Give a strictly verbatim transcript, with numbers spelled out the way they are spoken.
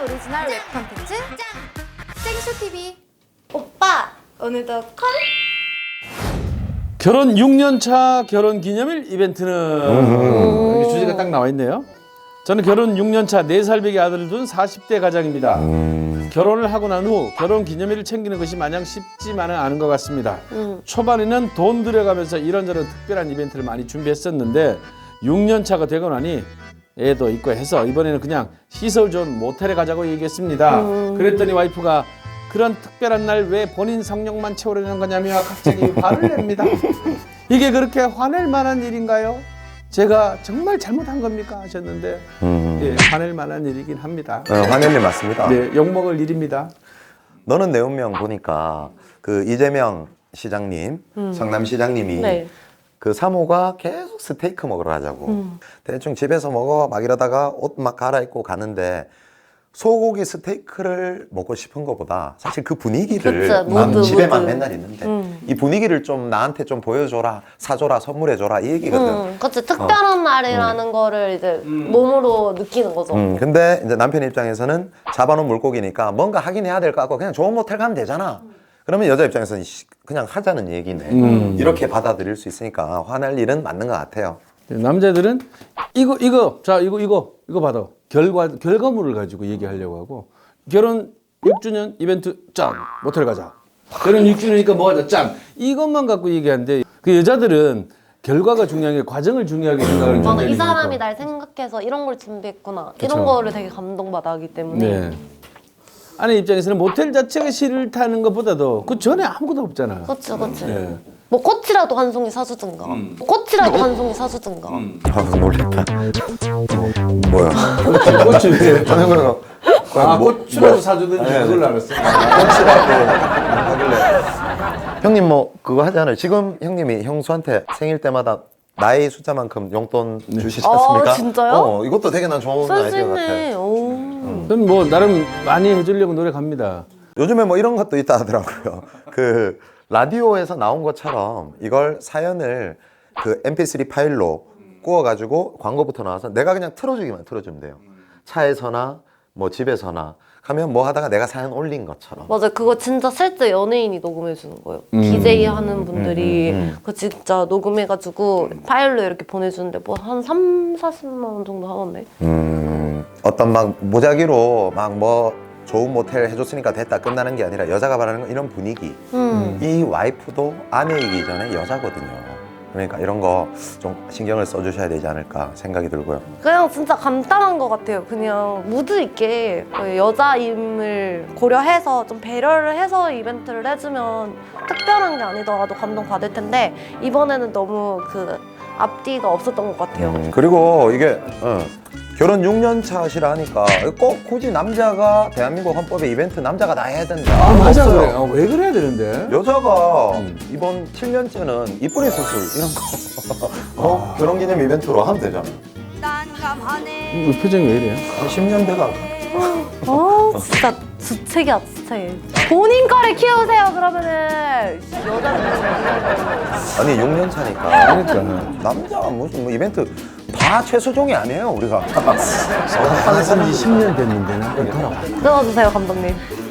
오리지널 웹 콘텐츠 생쇼티비. 오빠 오늘도 콜? 결혼 육 년 차 결혼 기념일 이벤트는 이렇게 주제가 딱 나와 있네요. 저는 결혼 육 년 차 네 살배기 아들을 둔 사십 대 가장입니다. 음. 결혼을 하고 난 후 결혼 기념일을 챙기는 것이 마냥 쉽지만은 않은 것 같습니다. 음. 초반에는 돈 들여가면서 이런저런 특별한 이벤트를 많이 준비했었는데 육 년 차가 되고 나니 애도 있고 해서 이번에는 그냥 시설 좋은 모텔에 가자고 얘기했습니다. 음. 그랬더니 와이프가 그런 특별한 날 왜 본인 성욕만 채우려는 거냐며 갑자기 화를 냅니다. 이게 그렇게 화낼 만한 일인가요? 제가 정말 잘못한 겁니까? 하셨는데 음. 예, 화낼 만한 일이긴 합니다. 어, 화낼 일 맞습니다. 네, 욕먹을 일입니다. 너는 내 운명 보니까 그 이재명 시장님, 음. 성남시장님이 네. 그 사모가 계속 스테이크 먹으러 가자고 음. 대충 집에서 먹어 막 이러다가 옷 막 갈아입고 가는데 소고기 스테이크를 먹고 싶은 것보다 사실 그 분위기를 그쵸, 난 모두, 집에만 모두. 맨날 있는데 음. 이 분위기를 좀 나한테 좀 보여줘라, 사줘라, 선물해줘라 이 얘기거든. 음, 그치. 특별한 어. 날이라는 음. 거를 이제 음. 몸으로 느끼는 거죠. 음, 근데 이제 남편 입장에서는 잡아놓은 물고기니까 뭔가 하긴 해야 될 것 같고 그냥 좋은 모텔 가면 되잖아. 그러면 여자 입장에서는 그냥 하자는 얘기네. 음. 이렇게 받아들일 수 있으니까 화날 일은 맞는 것 같아요. 남자들은 이거 이거 자 이거 이거 이거 받아 결과 결과물을 가지고 얘기하려고 하고 결혼 육 주년 이벤트 짠 모텔 가자. 결혼 육 주년이니까 뭐 하자 짠 이것만 갖고 얘기하는데 그 여자들은 결과가 중요한 게 과정을 중요하게 생각을 맞아, 이 하니까. 사람이 날 생각해서 이런 걸 준비했구나. 그쵸. 이런 거를 되게 감동받아 하기 때문에. 네. 아내 입장에서는 모텔 자체가 싫다는 것보다도 그 전에 아무것도 없잖아. 그치 그치. 네. 뭐 꽃이라도 한 송이 사주든가 음. 뭐 꽃이라도 한 송이 사주든가. 음. 아, 놀랬다. 뭐야? 꽃이 왜? 저는 그거 아, 뭐- 꽃이라도 뭐- 사주든지 네. 그걸 알았어. 꽃이라도 하길래. 형님 뭐 그거 하잖아요. 지금 형님이 형수한테 생일 때마다 나이 숫자만큼 용돈 주시지 않습니까? 아, 진짜요? 어, 이것도 되게 난 좋은 아이디어 같아. 센스있네. 오. 저는 뭐 나름 많이 해주려고 노력합니다. 요즘에 뭐 이런 것도 있다 하더라고요. 그 라디오에서 나온 것처럼 이걸 사연을 그 엠피쓰리 파일로 구워가지고 광고부터 나와서 내가 그냥 틀어주기만 틀어주면 돼요. 차에서나 뭐 집에서나 가면 뭐 하다가 내가 사연 올린 것처럼. 맞아, 그거 진짜 실제 연예인이 녹음해 주는 거예요. 디제이 하는 분들이 음, 음, 음. 그 진짜 녹음해가지고 파일로 이렇게 보내주는데 뭐 한 삼, 사십만 원 정도 하던데. 음, 어떤 막 무작위로 막 뭐 좋은 모텔 해줬으니까 됐다 끝나는 게 아니라 여자가 바라는 건 이런 분위기. 음. 이 와이프도 아내이기 전에 여자거든요. 그러니까 이런 거 좀 신경을 써주셔야 되지 않을까 생각이 들고요. 그냥 진짜 간단한 것 같아요. 그냥 무드 있게 그 여자임을 고려해서 좀 배려를 해서 이벤트를 해주면 특별한 게 아니더라도 감동받을 텐데 이번에는 너무 그 앞뒤가 없었던 것 같아요. 음, 그리고 이게 어, 결혼 육 년 차시라 하니까 꼭 굳이 남자가 대한민국 헌법에 이벤트 남자가 다 해야 된다. 아, 맞아 없어요. 그래. 아, 왜 그래야 되는데? 여자가 음. 이번 칠 년째는 이쁜이 수술 이런 거 어? 결혼기념 이벤트로 하면 되잖아. 이 표정이 왜 이래요? 한 십 년 돼가. 어, 진짜 주책이야, 주책. 본인 거를 키우세요, 그러면은. 여자는 아니 육 년 차니까 그러니까. 남자가 무슨 뭐 이벤트 다 최소종이 아니에요 우리가. 한지 십 년 됐는데는. 끊어주세요, 감독님.